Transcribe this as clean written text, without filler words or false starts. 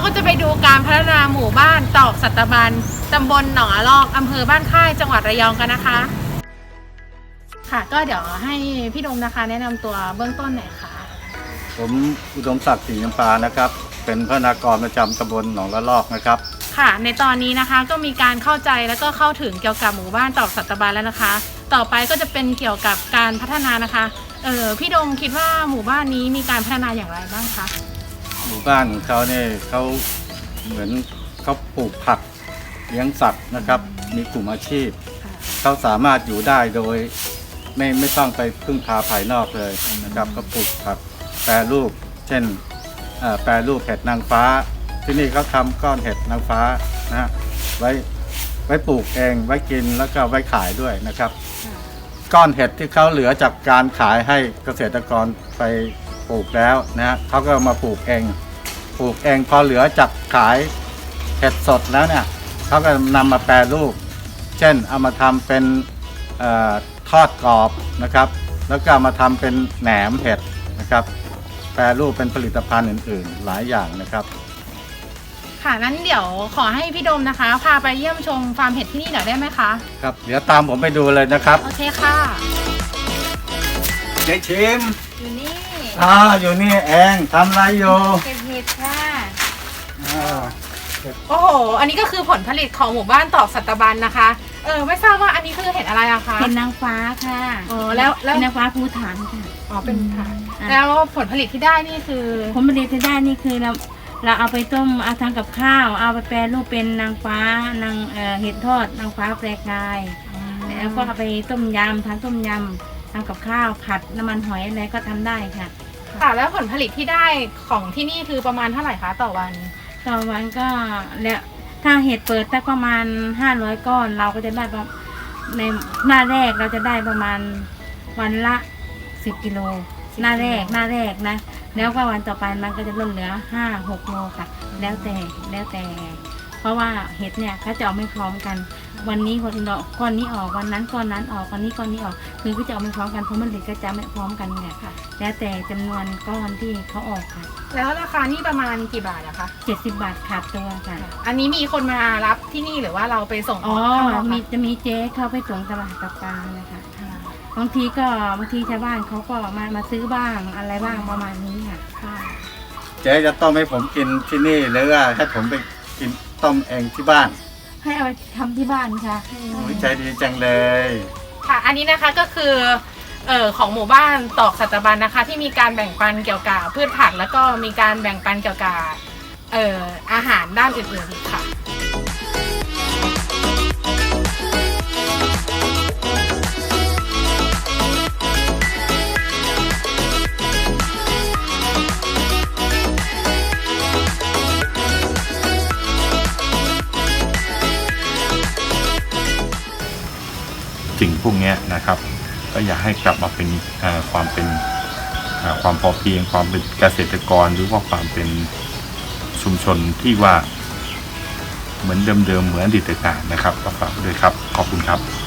ก็จะไปดูการพัฒนาหมู่บ้านตอกสัตบันตำบลหนองอะลอกอำเภอบ้านค่ายจังหวัดระยองกันนะคะค่ะก็เดี๋ยวให้พี่ดมนะคะแนะนำตัวเบื้องต้นหน่อยค่ะผมอุดมศักดิ์ศรีจำปานะครับเป็นพนักงานประจำตำบลหนองละลอกนะครับค่ะในตอนนี้นะคะก็มีการเข้าใจแล้วก็เข้าถึงเกี่ยวกับหมู่บ้านตอกสัตบันแล้วนะคะต่อไปก็จะเป็นเกี่ยวกับการพัฒนานะคะพี่ดมคิดว่าหมู่บ้านนี้มีการพัฒนาอย่างไรบ้างคะหมู่บ้านของเขาเนี่ยเขาเหมือนเขาปลูกผักเลี้ยงสัตว์นะครับมีกลุ่มอาชีพเขาสามารถอยู่ได้โดยไม่ต้องไปพึ่งพาภายนอกเลยนะครับเขาปลูกผักแปรรูปเช่นแปรรูปเห็ดนางฟ้าที่นี่เขาทำก้อนเห็ดนางฟ้านะฮะไว้ปลูกเองไว้กินแล้วก็ไว้ขายด้วยนะครับก้อนเห็ดที่เขาเหลือจากการขายให้เกษตรกรไปปลูกแล้วนะฮะเขาก็มาปลูกเองพอเหลือจากขายเห็ดสดแล้วเนี่ยเขาก็นำมาแปรรูปเช่นเอามาทำเป็นทอดกรอบนะครับแล้วก็มาทำเป็นแหนมเห็ดนะครับแปรรูปเป็นผลิตภัณฑ์อื่นๆหลายอย่างนะครับค่ะนั้นเดี๋ยวขอให้พี่ดมนะคะพาไปเยี่ยมชมฟาร์มเห็ดที่นี่หน่อยได้ไหมคะครับเดี๋ยวตามผมไปดูเลยนะครับโอเคค่ะเจ๊ชิมอยู่นี่อยู่นี่เองทำอะไรอยู่เก็บเห็ดค่ะโอ้โหอันนี้ก็คือผลผลิตของหมู่บ้านตอกสัตบันนะคะไม่ทราบว่าอันนี้คือเห็ดอะไรอะคะเห็ดนางฟ้าค่ะแล้วนางฟ้าภูฐานค่ะเป็นฐานแล้วผลผลิตที่ได้นี่คือผลผลิตที่ได้นี่คือเราเอาไปต้มเอาทำกับข้าวเอาไปแปรรูปเป็นนางฟ้านางเห็ดทอดนางฟ้าแปรกายแล้วก็เอาไปต้มยำทำต้มยำทำกับข้าวผัดน้ำมันหอยอะไรก็ทำได้ค่ะแล้วผลผลิตที่ได้ของที่นี่คือประมาณเท่าไหร่คะต่อวันก็แล้วถ้าเห็ดเปิดได้ประมาณ500 ก้อนเราก็จะได้ในหน้าแรกเราจะได้ประมาณวันละ10 กิโลหน้าแรกนะแล้วก็วันต่อไปมันก็จะลดเหลือ5-6 โลค่ะแล้วแต่เพราะว่าเห็ดเนี่ยเขาจะออกไม่พร้อมกันวันนี้ก้อนนี้ออกวันนั้นก้อนนั้นออกวันนี้ก้อนนี้ออกคือก็จะออกไม่พร้อมกันเพราะมันเด็กก็จะไม่พร้อมกันไงค่ะแล้วแต่จำนวนก้อนที่เขาออกค่ะแล้วราคานี่ประมาณกี่บาทอะคะ 70 บาทขาดตัวค่ะอันนี้มีคนมารับที่นี่หรือว่าเราไปส่งจะมีเจ๊เข้าไปส่งตลาดตะปานะคะบางทีชาวบ้านเขาก็มาซื้อบ้างอะไรบ้างประมาณนี้ค่ะเจ๊จะต้มให้ผมกินที่นี่หรือว่าให้ผมไปกินต้มเองที่บ้านให้เอาไปทำที่บ้านค่ะใจดีจังเลยค่ะอันนี้นะคะก็คือของหมู่บ้านตอกสัตบันนะคะที่มีการแบ่งปันเกี่ยวกับพืชผักแล้วก็มีการแบ่งปันเกี่ยวกับอาหารด้านอื่นๆอีกค่ะสิ่งพวกนี้นะครับก็อยากให้กลับมาเป็นความพอเพียงความเป็นเกษตรกรหรือว่าความเป็นชุมชนที่ว่าเหมือนเดิมเหมือนอดีตการนะครับก็ฝากด้วยครับขอบคุณครับ